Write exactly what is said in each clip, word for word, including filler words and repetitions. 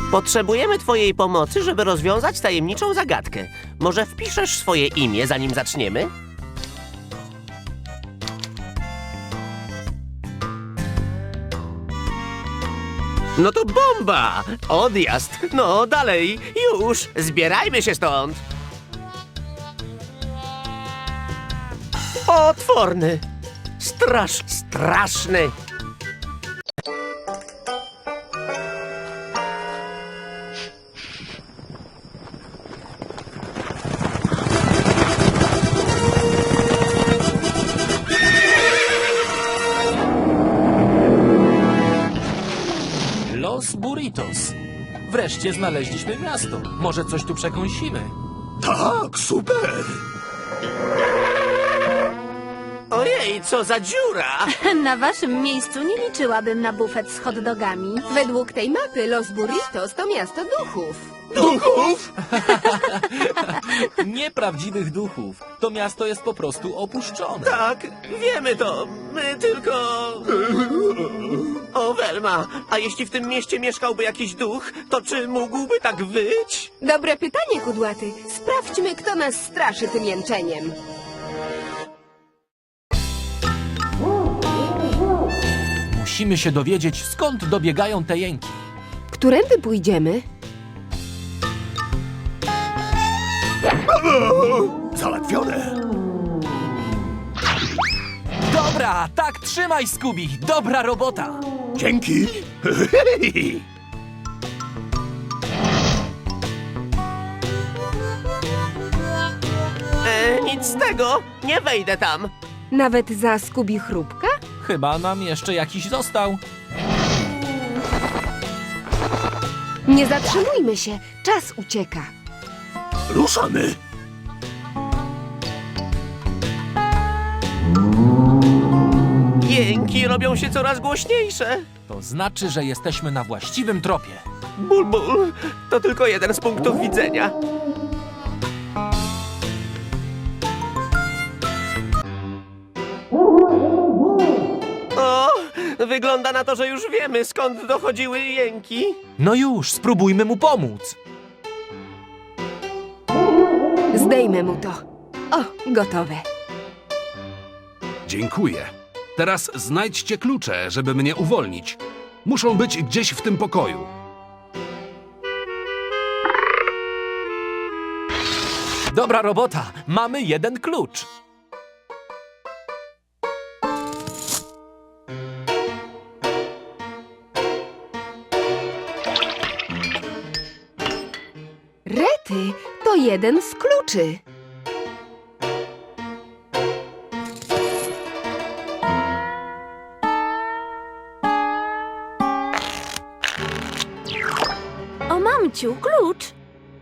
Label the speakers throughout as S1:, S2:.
S1: Potrzebujemy twojej pomocy, żeby rozwiązać tajemniczą zagadkę. Może wpiszesz swoje imię, zanim zaczniemy? No to bomba! Odjazd! No, dalej! Już! Zbierajmy się stąd! Potworny! Strasz, straszny!
S2: Los Burritos. Wreszcie znaleźliśmy miasto. Może coś tu przekąsimy.
S3: Tak, super!
S1: Ojej, co za dziura!
S4: Na waszym miejscu nie liczyłabym na bufet z hot dogami.
S5: Według tej mapy Los Burritos to miasto duchów.
S3: Duchów?
S2: Nieprawdziwych duchów. To miasto jest po prostu opuszczone.
S1: Tak, wiemy to. My tylko... O, Welma, a jeśli w tym mieście mieszkałby jakiś duch, to czy mógłby tak wyć?
S5: Dobre pytanie, Kudłaty. Sprawdźmy, kto nas straszy tym jęczeniem.
S2: Musimy się dowiedzieć, skąd dobiegają te jęki.
S5: Którędy pójdziemy?
S3: Załatwione!
S2: Dobra, tak trzymaj, Scooby. Dobra robota.
S3: Dzięki!
S1: E, nic z tego, nie wejdę tam.
S5: Nawet za Skubi chrupka?
S2: Chyba nam jeszcze jakiś został.
S5: Nie zatrzymujmy się, czas ucieka.
S3: Ruszamy!
S1: Jęki robią się coraz głośniejsze.
S2: To znaczy, że jesteśmy na właściwym tropie.
S1: Ból, ból, to tylko jeden z punktów widzenia. O, wygląda na to, że już wiemy, skąd dochodziły jęki.
S2: No już, spróbujmy mu pomóc.
S5: Zdejmę mu to. O, gotowe.
S6: Dziękuję. Teraz znajdźcie klucze, żeby mnie uwolnić. Muszą być gdzieś w tym pokoju.
S2: Dobra robota. Mamy jeden klucz.
S5: Rety to jeden z kluczy.
S4: O mamciu, klucz!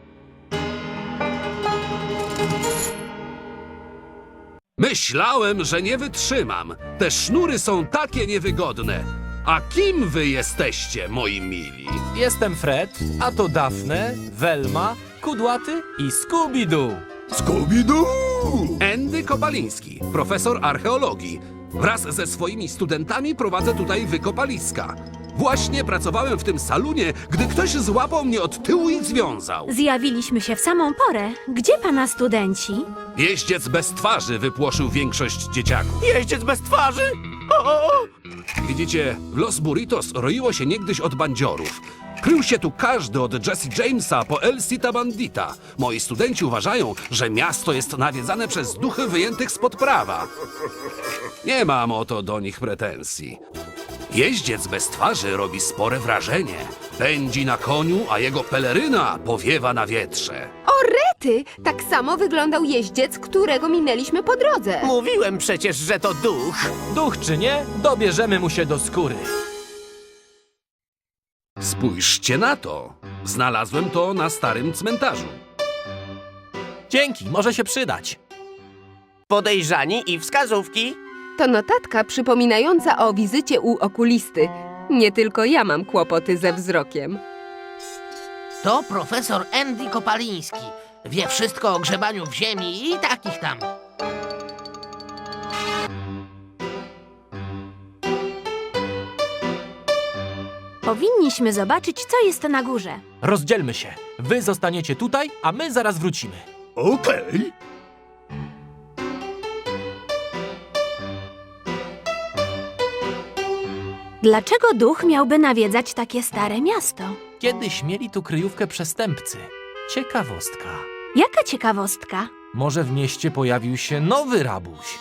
S6: Myślałem, że nie wytrzymam. Te sznury są takie niewygodne. A kim wy jesteście, moi mili?
S2: Jestem Fred, a to Daphne, Welma, Kudłaty i Scooby-Doo.
S3: Scooby-Doo!
S6: Andy Kopaliński, profesor archeologii. Wraz ze swoimi studentami prowadzę tutaj wykopaliska. Właśnie pracowałem w tym salonie, gdy ktoś złapał mnie od tyłu i związał.
S4: Zjawiliśmy się w samą porę. Gdzie pana studenci?
S6: Jeździec bez twarzy wypłoszył większość dzieciaków.
S1: Jeździec bez twarzy? O!
S6: Widzicie, w Los Burritos roiło się niegdyś od bandziorów. Krył się tu każdy od Jesse Jamesa po El Cita Bandita. Moi studenci uważają, że miasto jest nawiedzane przez duchy wyjętych spod prawa. Nie mam o to do nich pretensji. Jeździec bez twarzy robi spore wrażenie. Pędzi na koniu, a jego peleryna powiewa na wietrze.
S5: O, Rety! Tak samo wyglądał jeździec, którego minęliśmy po drodze.
S1: Mówiłem przecież, że to duch.
S2: Duch czy nie, dobierzemy mu się do skóry.
S6: Spójrzcie na to. Znalazłem to na starym cmentarzu.
S2: Dzięki, może się przydać.
S1: Podejrzani i wskazówki.
S5: To notatka przypominająca o wizycie u okulisty. Nie tylko ja mam kłopoty ze wzrokiem.
S7: To profesor Andy Kopaliński. Wie wszystko o grzebaniu w ziemi i takich tam.
S8: Powinniśmy zobaczyć, co jest na górze.
S2: Rozdzielmy się. Wy zostaniecie tutaj, a my zaraz wrócimy.
S3: Okej.
S8: Dlaczego duch miałby nawiedzać takie stare miasto?
S2: Kiedyś mieli tu kryjówkę przestępcy. Ciekawostka.
S8: Jaka ciekawostka?
S2: Może w mieście pojawił się nowy rabuś.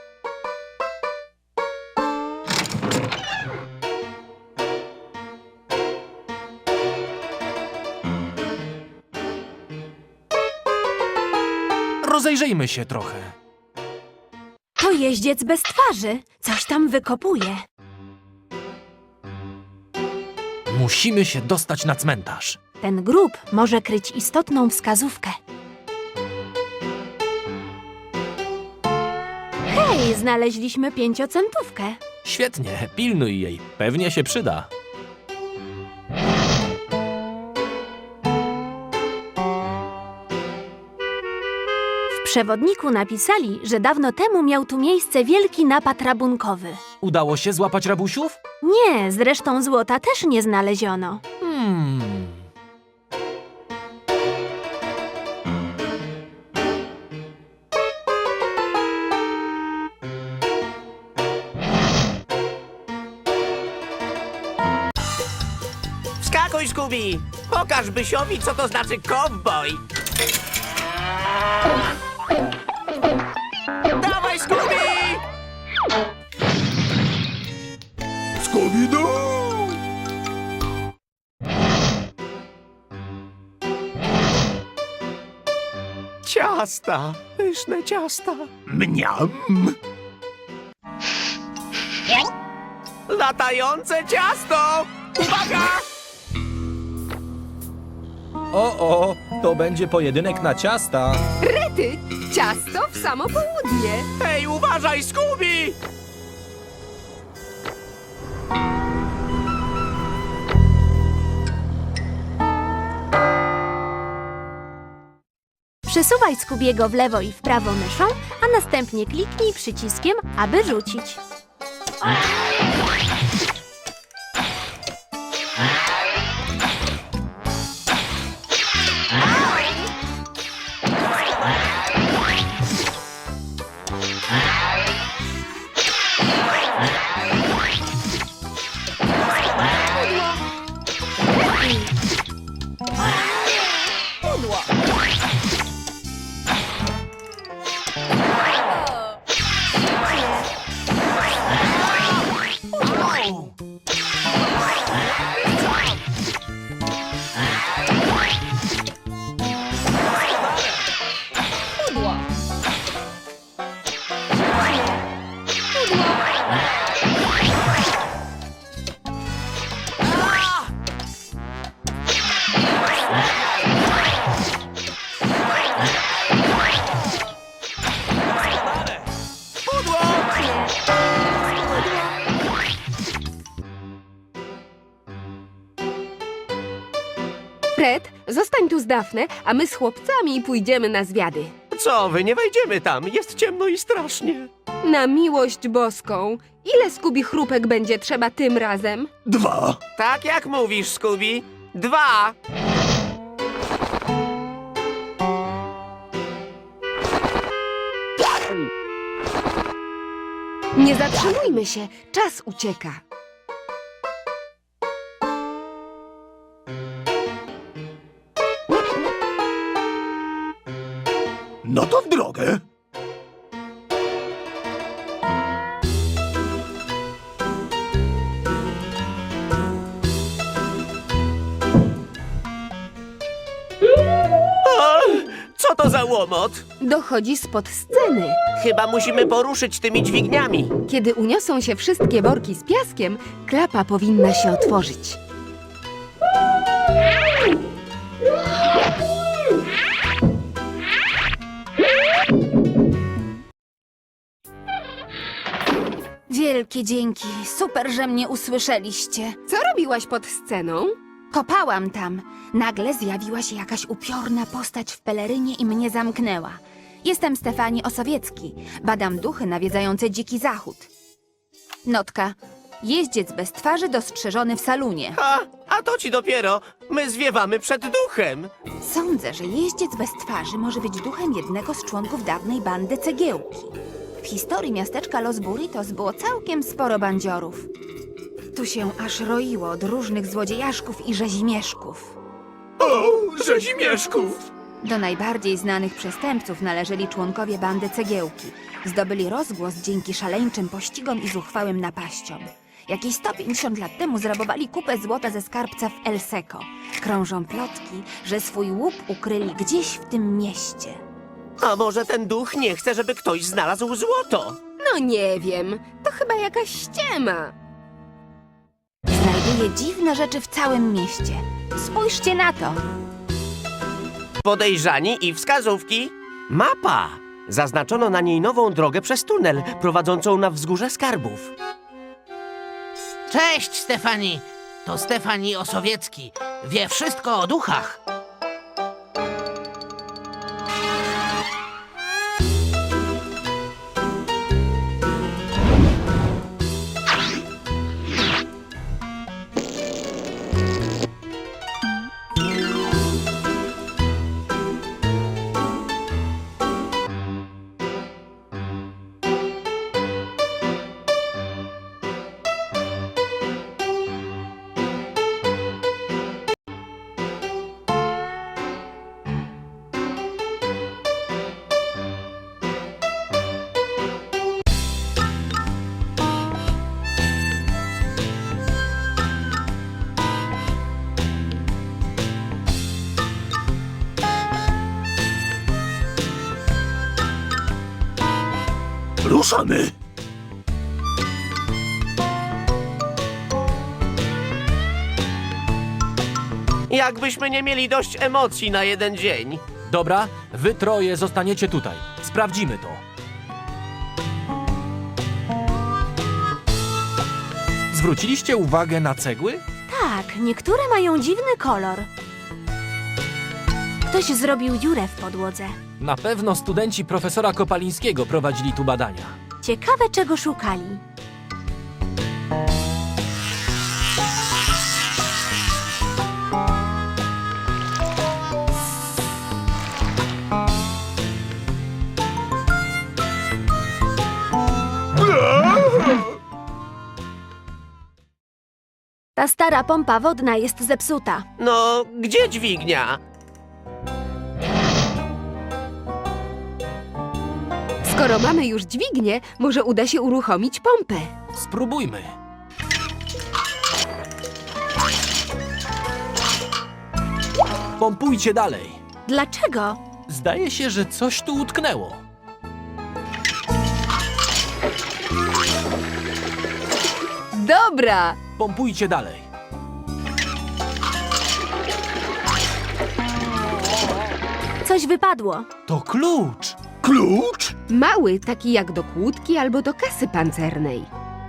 S2: Rozejrzyjmy się trochę.
S8: To jeździec bez twarzy. Coś tam wykopuje.
S2: Musimy się dostać na cmentarz.
S8: Ten grób może kryć istotną wskazówkę. Hej, znaleźliśmy pięciocentówkę.
S2: Świetnie, pilnuj jej. Pewnie się przyda.
S8: W przewodniku napisali, że dawno temu miał tu miejsce wielki napad rabunkowy.
S2: Udało się złapać rabusiów?
S8: Nie, zresztą złota też nie znaleziono.
S2: Hmm.
S1: Wskakuj, Scooby! Pokaż Bysiowi, co to znaczy cowboy! Dawaj, Scooby!
S3: Scooby-Doo!
S1: Ciasta! Pyszne ciasta!
S3: Mniam!
S1: Latające ciasto! Uwaga!
S2: O, o, to będzie pojedynek na ciasta.
S5: Rety, ciasto w samo południe.
S1: Hej, uważaj, Scooby!
S8: Przesuwaj Scoobiego w lewo i w prawo myszą, a następnie kliknij przyciskiem, aby rzucić.
S5: Fred, zostań tu z Dafne, a my z chłopcami pójdziemy na zwiady.
S1: Co wy, nie wejdziemy tam, jest ciemno i strasznie.
S5: Na miłość boską. Ile Skubi chrupek będzie trzeba tym razem?
S3: Dwa!
S1: Tak jak mówisz, Scooby. Dwa!
S5: Nie zatrzymujmy się, czas ucieka.
S3: No to w drogę!
S1: A, co to za łomot?
S5: Dochodzi spod sceny.
S1: Chyba musimy poruszyć tymi dźwigniami.
S5: Kiedy uniosą się wszystkie worki z piaskiem, klapa powinna się otworzyć.
S8: Wielkie dzięki. Super, że mnie usłyszeliście.
S5: Co robiłaś pod sceną?
S8: Kopałam tam. Nagle zjawiła się jakaś upiorna postać w pelerynie i mnie zamknęła. Jestem Stefani Osowiecki. Badam duchy nawiedzające dziki zachód. Notka. Jeździec bez twarzy dostrzeżony w salonie.
S1: A, a to ci dopiero. My zwiewamy przed duchem.
S8: Sądzę, że jeździec bez twarzy może być duchem jednego z członków dawnej bandy Cegiełki. W historii miasteczka Los Burritos było całkiem sporo bandziorów. Tu się aż roiło od różnych złodziejaszków i rzezimieszków.
S3: O, rzezimieszków!
S8: Do najbardziej znanych przestępców należeli członkowie bandy Cegiełki. Zdobyli rozgłos dzięki szaleńczym pościgom i zuchwałym napaściom. Jakieś sto pięćdziesiąt lat temu zrabowali kupę złota ze skarbca w El Seco. Krążą plotki, że swój łup ukryli gdzieś w tym mieście.
S1: A może ten duch nie chce, żeby ktoś znalazł złoto?
S5: No nie wiem, to chyba jakaś ściema.
S8: Znajduje dziwne rzeczy w całym mieście. Spójrzcie na to.
S1: Podejrzani i wskazówki. Mapa. Zaznaczono na niej nową drogę przez tunel prowadzącą na wzgórze skarbów.
S7: Cześć, Stefani! To Stefani Osowiecki. Wie wszystko o duchach.
S3: Ruszamy!
S1: Jakbyśmy nie mieli dość emocji na jeden dzień.
S2: Dobra, wy troje zostaniecie tutaj. Sprawdzimy to. Zwróciliście uwagę na cegły?
S4: Tak, niektóre mają dziwny kolor. Ktoś zrobił dziurę w podłodze.
S2: Na pewno studenci profesora Kopalińskiego prowadzili tu badania.
S4: Ciekawe, czego szukali. Ta stara pompa wodna jest zepsuta.
S1: No, gdzie dźwignia?
S5: Skoro mamy już dźwignię, może uda się uruchomić pompę.
S2: Spróbujmy. Pompujcie dalej.
S4: Dlaczego?
S2: Zdaje się, że coś tu utknęło.
S5: Dobra!
S2: Pompujcie dalej.
S4: Coś wypadło.
S2: To klucz.
S3: Klucz?
S5: Mały, taki jak do kłódki albo do kasy pancernej.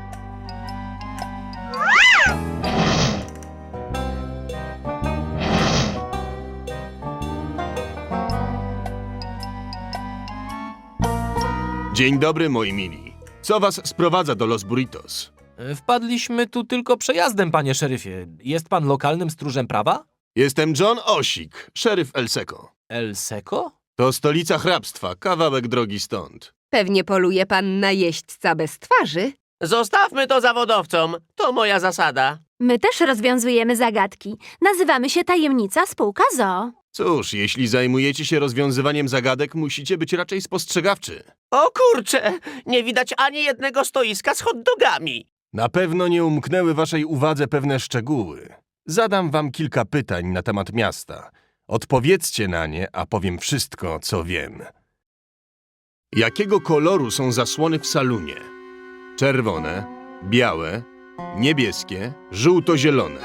S9: Dzień dobry, moi mili. Co was sprowadza do Los Burritos?
S2: Wpadliśmy tu tylko przejazdem, panie szeryfie. Jest pan lokalnym stróżem prawa?
S9: Jestem John Osik, szeryf El Seco.
S2: El Seco?
S9: To stolica hrabstwa, kawałek drogi stąd.
S5: Pewnie poluje pan na jeźdźca bez twarzy?
S1: Zostawmy to zawodowcom. To moja zasada.
S4: My też rozwiązujemy zagadki. Nazywamy się Tajemnica Spółka Z O O.
S9: Cóż, jeśli zajmujecie się rozwiązywaniem zagadek, musicie być raczej spostrzegawczy.
S1: O kurcze, nie widać ani jednego stoiska z hot dogami.
S9: Na pewno nie umknęły waszej uwadze pewne szczegóły. Zadam wam kilka pytań na temat miasta. Odpowiedzcie na nie, a powiem wszystko, co wiem. Jakiego koloru są zasłony w salonie? Czerwone, białe, niebieskie, żółto-zielone.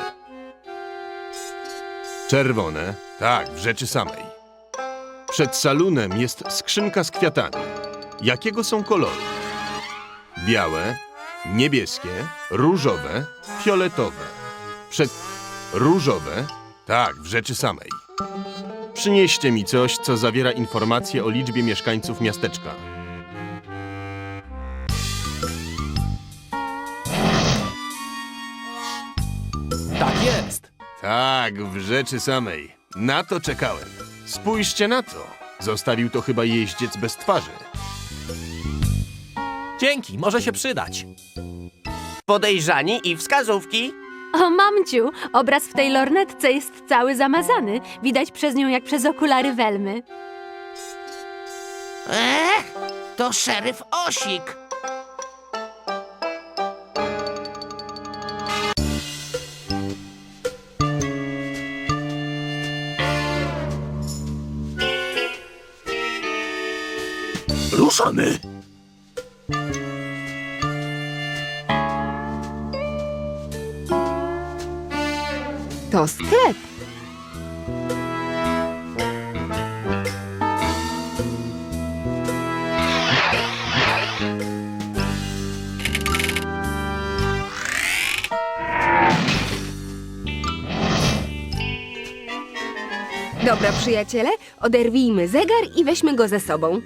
S9: Czerwone, tak, w rzeczy samej. Przed salonem jest skrzynka z kwiatami. Jakiego są koloru? Białe, niebieskie, różowe, fioletowe. Przed... różowe, tak, w rzeczy samej. Przynieście mi coś, co zawiera informacje o liczbie mieszkańców miasteczka. Tak, w rzeczy samej. Na to czekałem. Spójrzcie na to. Zostawił to chyba jeździec bez twarzy.
S2: Dzięki, może się przydać.
S1: Podejrzani i wskazówki.
S4: O, mamciu, obraz w tej lornetce jest cały zamazany. Widać przez nią jak przez okulary Welmy.
S7: Ech, to szeryf Osik.
S3: Ruszamy!
S5: To sklep. Dobra, przyjaciele, oderwijmy zegar i weźmy go ze sobą.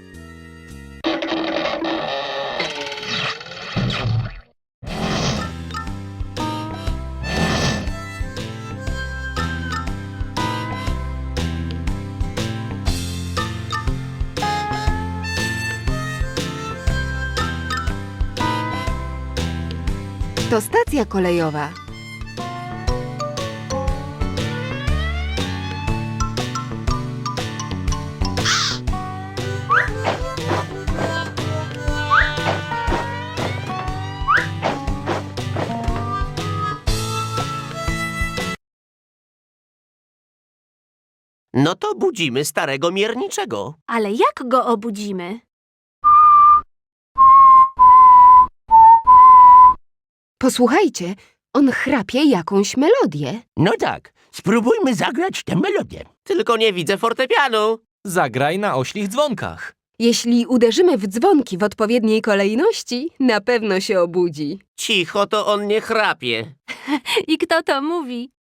S5: To stacja kolejowa.
S1: No to budzimy starego mierniczego.
S4: Ale jak go obudzimy?
S5: Posłuchajcie, on chrapie jakąś melodię.
S7: No tak, spróbujmy zagrać tę melodię.
S1: Tylko nie widzę fortepianu.
S2: Zagraj na oślich dzwonkach.
S5: Jeśli uderzymy w dzwonki w odpowiedniej kolejności, na pewno się obudzi.
S1: Cicho, to on nie chrapie.
S4: I kto to mówi?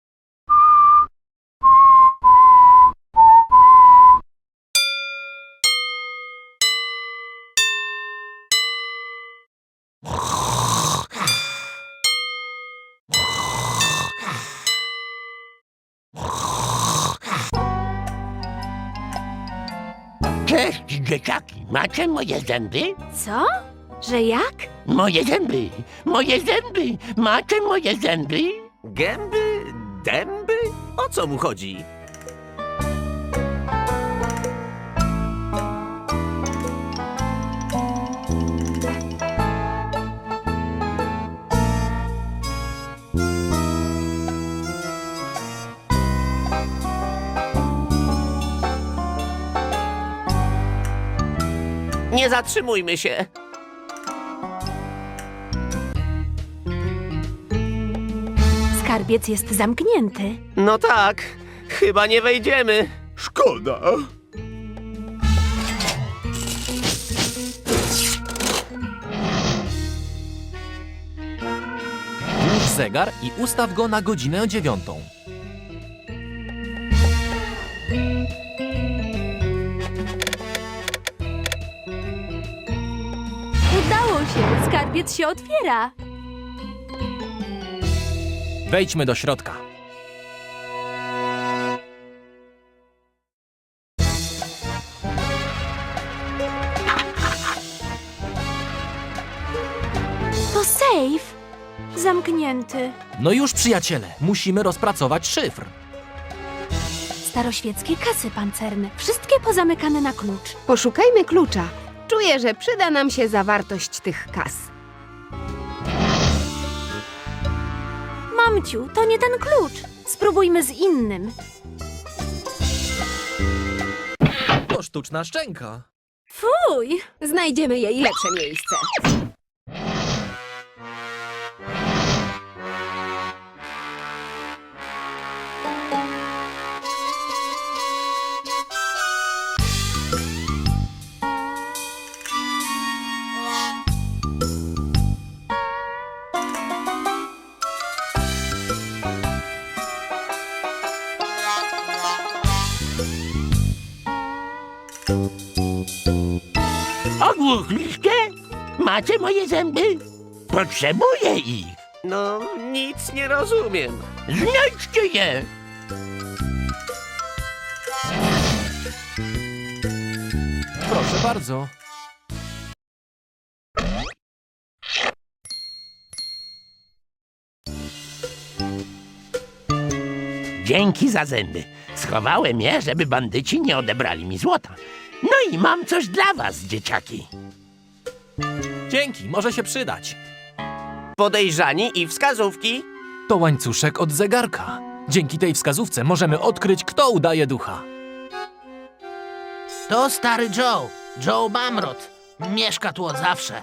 S7: Cześć, dzieciaki, macie moje zęby?
S4: Co? Że jak?
S7: Moje zęby, moje zęby, macie moje zęby?
S1: Gęby? Dęby? O co mu chodzi? Nie zatrzymujmy się.
S4: Skarbiec jest zamknięty.
S1: No tak, chyba nie wejdziemy.
S3: Szkoda.
S2: Włóż zegar i ustaw go na godzinę dziewiątą.
S4: Udało się, skarbiec się otwiera.
S2: Wejdźmy do środka.
S4: To sejf. Zamknięty.
S2: No już, przyjaciele, musimy rozpracować szyfr.
S4: Staroświeckie kasy pancerne. Wszystkie pozamykane na klucz.
S5: Poszukajmy klucza. Czuję, że przyda nam się zawartość tych kas.
S4: Mamciu, to nie ten klucz. Spróbujmy z innym.
S2: To sztuczna szczęka.
S4: Fuj!
S5: Znajdziemy jej lepsze miejsce.
S7: Ogłuchliście? Macie moje zęby? Potrzebuję ich.
S1: No, nic nie rozumiem.
S7: Znajdźcie je.
S2: Proszę bardzo.
S10: Dzięki za zęby. Schowałem je, żeby bandyci nie odebrali mi złota. No i mam coś dla was, dzieciaki.
S2: Dzięki, może się przydać.
S1: Podejrzani i wskazówki.
S2: To łańcuszek od zegarka. Dzięki tej wskazówce możemy odkryć, kto udaje ducha.
S7: To stary Joe, Joe Bamrot. Mieszka tu od zawsze.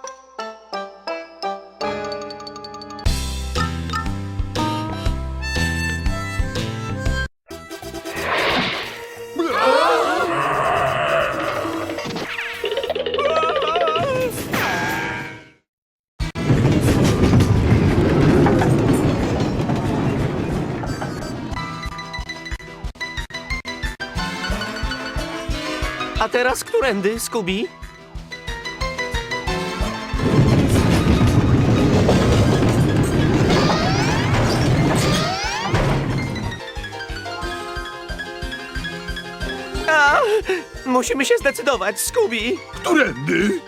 S1: A teraz którędy, Scooby? A, musimy się zdecydować, Scooby.
S3: Którędy?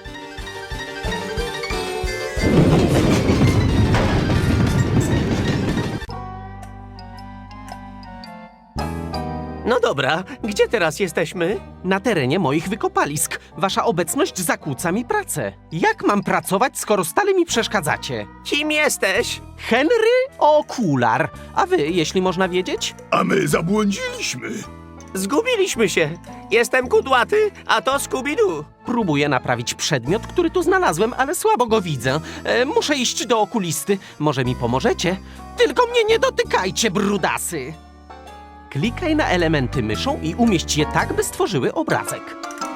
S1: No dobra, gdzie teraz jesteśmy?
S11: Na terenie moich wykopalisk. Wasza obecność zakłóca mi pracę. Jak mam pracować, skoro stale mi przeszkadzacie?
S1: Kim jesteś?
S11: Henry Okular. A wy, jeśli można wiedzieć?
S3: A my zabłądziliśmy.
S1: Zgubiliśmy się. Jestem kudłaty, a to Scooby-Doo.
S11: Próbuję naprawić przedmiot, który tu znalazłem, ale słabo go widzę. E, muszę iść do okulisty. Może mi pomożecie? Tylko mnie nie dotykajcie, brudasy! Klikaj na elementy myszą i umieść je tak, by stworzyły obrazek.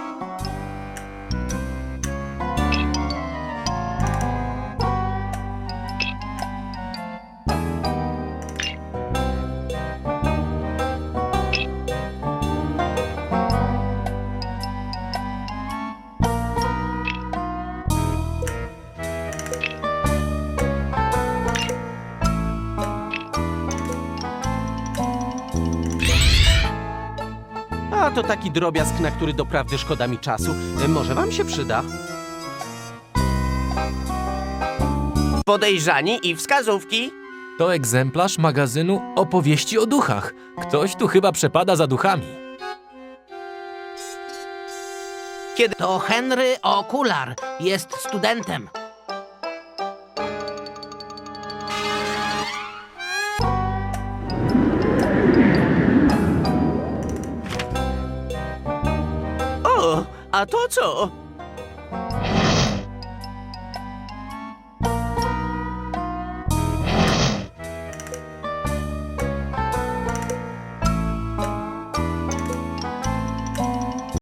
S11: A to taki drobiazg, na który doprawdy szkoda mi czasu. E, Może wam się przyda?
S1: Podejrzani i wskazówki.
S2: To egzemplarz magazynu Opowieści o duchach. Ktoś tu chyba przepada za duchami.
S7: To Henry Okular. Jest studentem.
S1: O, a to co?